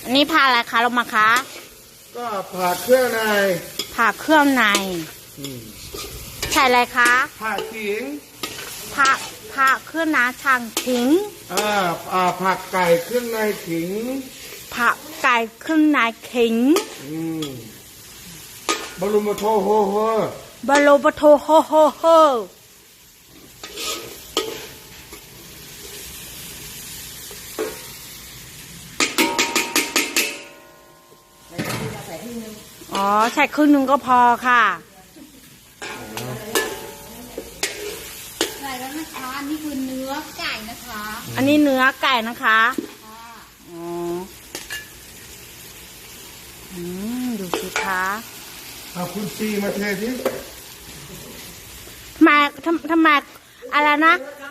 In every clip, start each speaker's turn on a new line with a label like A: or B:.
A: อันนี้ผ่าอะไรคะลงมาคะ
B: ก็ผ่าเครื่องใน
A: ผ่าเครื่องในใส่อะไรคะ
B: ผ่าขิง
A: ผ่าเครื่องในช่างขิง
B: ผักไก่เครื่องในขิง
A: ผักไก่เครื่องในขิง
B: บรมโทโฮโฮ
A: บาโลบโทโฮโฮโฮอ๋อใส่ครึ่งนึงก็พอค่ะ
C: ใส่แล้วนะคะนี่คือเนื้อไก่นะคะ
A: อันนี้เนื้อไก่นะคะอ๋อดูสิคะ
B: เอาคุณซีมาเทสิ
A: ทำไมอะไรนะ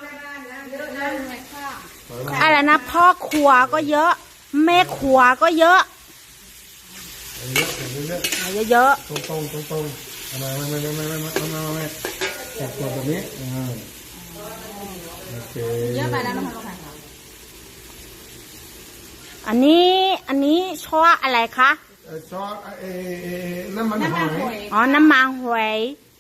A: อะไรนะพ่อครัวก็เยอะแม่ครัวก็เยอะเยอะ
B: ตรงเอามาจับตัวแบบนี้โอเค
C: เยอะไปแล้วนะคะ
A: อันนี้ช้ออะไรคะ
B: ซอสน้ำมันหอย
A: อ๋อน้ำมันหอย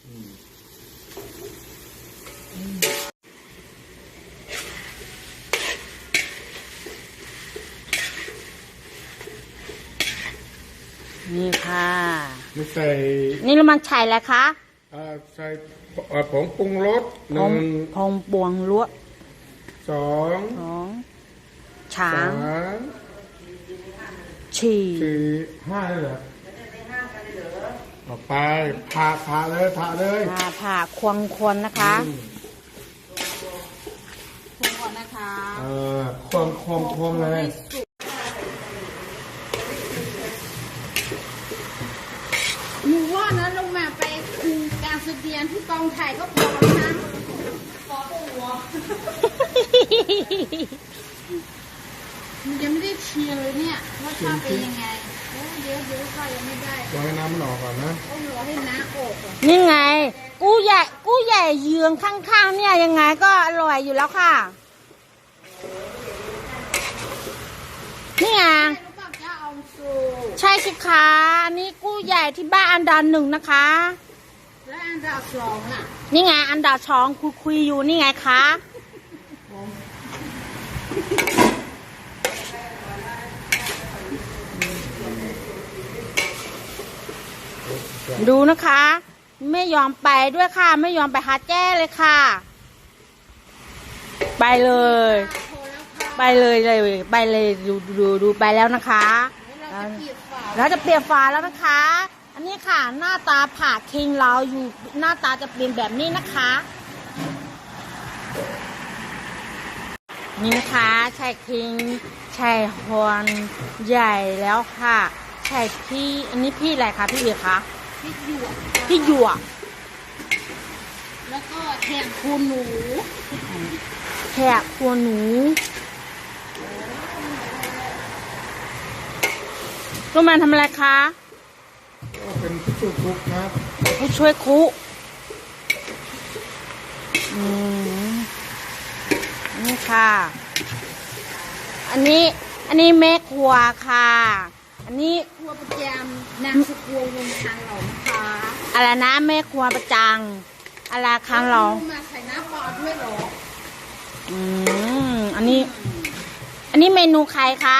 A: นี่ค่ะ
B: ไม่ใส่
A: นี่เรามันใส่อะไรคะ
B: ใส่ผงปรุงรส
A: ผงบวงลวก
B: 2
A: ช้าง4
B: 5เลยเหรอต่อไปผ่าเลย
A: ผ่าควงนะคะ
C: ควงก่อนนะคะ
B: ควงเลย
C: หนูว่านะลงมาไปคุมการแสดงที่กองถ่ายก็พอแล้วนะพอตัวยังไม่ได้เชียร์เลยเนี่ยว่าชอบเป็นยังไงเดี๋ยวค่ะยังไม่ได้
B: รอให้น้ำมันออกก่อนนะ
C: ต้องรอให้น้ำออกก่อน
A: นี่ไงกู้ใหญ่เยืองข้างๆเนี่ยยังไงก็อร่อยอยู่แล้วค่ะนี่ไงใช่สิคะอันนี้กู้ใหญ่ที่บ้านอันดับ1นะคะ
C: แล้วอันดับ2ล่ะ
A: นี่ไงอันดับ2คุยอยู่นี่ไงคะดูนะคะไม่ยอมไปด้วยค่ะไม่ยอมไปหาแจ้เลยค่ะไปเลยดูไปแล้วนะคะแล้วจะเปลี่ยนฝาแล้วนะคะอันนี้ค่ะหน้าตาผ่าคิงเราอยู่หน้าตาจะเปลี่ยนแบบนี้นะคะนี่นะคะใช่คิงใช่ฮอนใหญ่แล้วค่ะใช่พี่อันนี้พี่อะไรคะพี่เอ๋คะพี่หยวก
C: แล้วก็แขกคูหนู
A: ลูกแมนทำอะไรคะ
B: เป็นผู้ช่วยคุกครับ
A: ผู้ช่วยคุกนี่ค่ะอันนี้แม่ครัวค่ะอันนี้
C: ครัวประจำนางสุกัววงทางหลงค่ะ
A: อะไรนะแม่ครัวประจังอะไรค้างเรา
C: มาใส่น้ำปลาด้วยหรอ
A: อันนี้เมนูใครคะ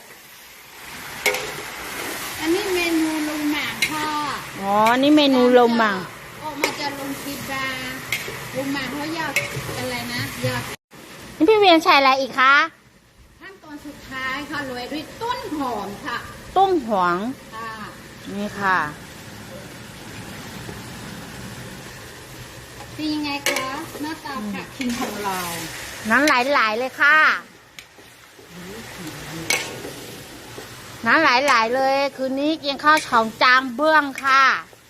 C: อันนี้เมนูลงหมากค่ะ
A: อ๋อนี่เมนูลงหมาก
C: ออกมาจะลงกีบาลงหมากเขาอยากอะไรนะอยาก
A: นี่พี่เวียนใส่อะไรอีกคะ
C: ขั้นตอนสุดท้ายค่ะโรยด้วยต้นหอมค่ะ
A: ต้นหอม
C: ค่ะ
A: นี่ค่ะ
C: เป็นยังไงคะหน้าตาผักคิงของเรา
A: น้ำไหลเลยค่ะน้ำไหลเลยคืนนี้กินข้าวช่องจางเบื้องค่ะ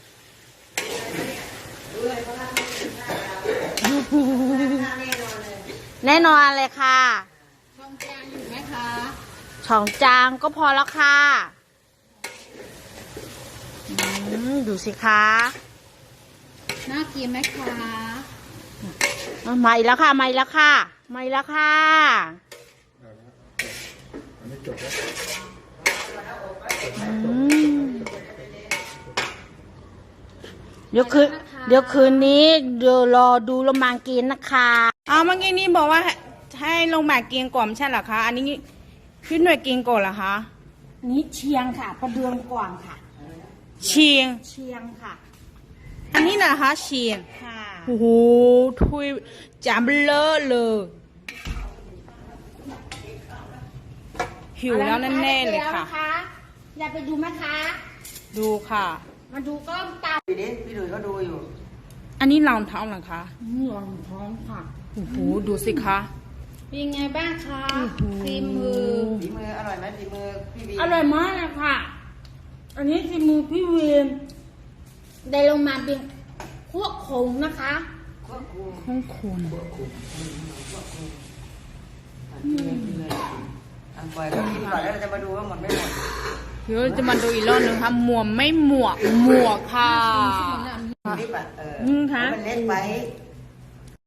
A: แน่นอนเลยค่ะ
C: ช่องจางอยู่ไหมคะ
A: ช่องจางก็พอแล้วค่ะดูสิคะ
C: น่ากินไหมคะ
A: มาอีกแล้วค่ะ
B: อันนี้จบแล้ว
A: เดี๋ยวคืนนี้เดี๋ยวรอดูโรมากินนะคะเอาเมื่อกี้นี้บอกว่าให้ลงมากินก่อนไม่ใช่เหรอคะ อันนี้พี่หน่วยกินก่อนเหรอคะ
C: นี่เชียงค่ะ ประเดืองก่อนค่ะ
A: เชียง
C: เชียงค่ะ
A: อันนี้นะคะเชียง
C: ค่ะ
A: โอ้โหทุยจามเลอะเลยหิวแล้วแน่ๆเลยค่ะ
C: อยากไปดูไหมคะ
A: ดูค่ะ
C: มาดูก้อนเตา
D: พี่ดิพี่ดุยก็ดูอยู่
A: อันนี้รองเท้าเหรอคะ
C: รองท้องค่ะ
A: โอ้โหดูสิคะ
C: เป็นไงบ้างคะฝีมือ
D: ฝีมืออร่อยไหมฝีมือพี่บี
C: อร่อยมากเลยค่ะ อันนี้ฝีมือพี่เวียนได้ลงมาเป็นพวกคงนะคะ
D: ควบคุม
A: ข้องคน
D: อันปล่อยก็กินก่อนแล้วเราจะมาดูว่าหมดไม่หมด
A: เดี๋ยวจะมาดูอีกรอบหนึ่งค่ะหมวกไม่หมวกค่ะ
D: ลิปอ่ะ
A: อืมค่ะ
D: มันเล็กไป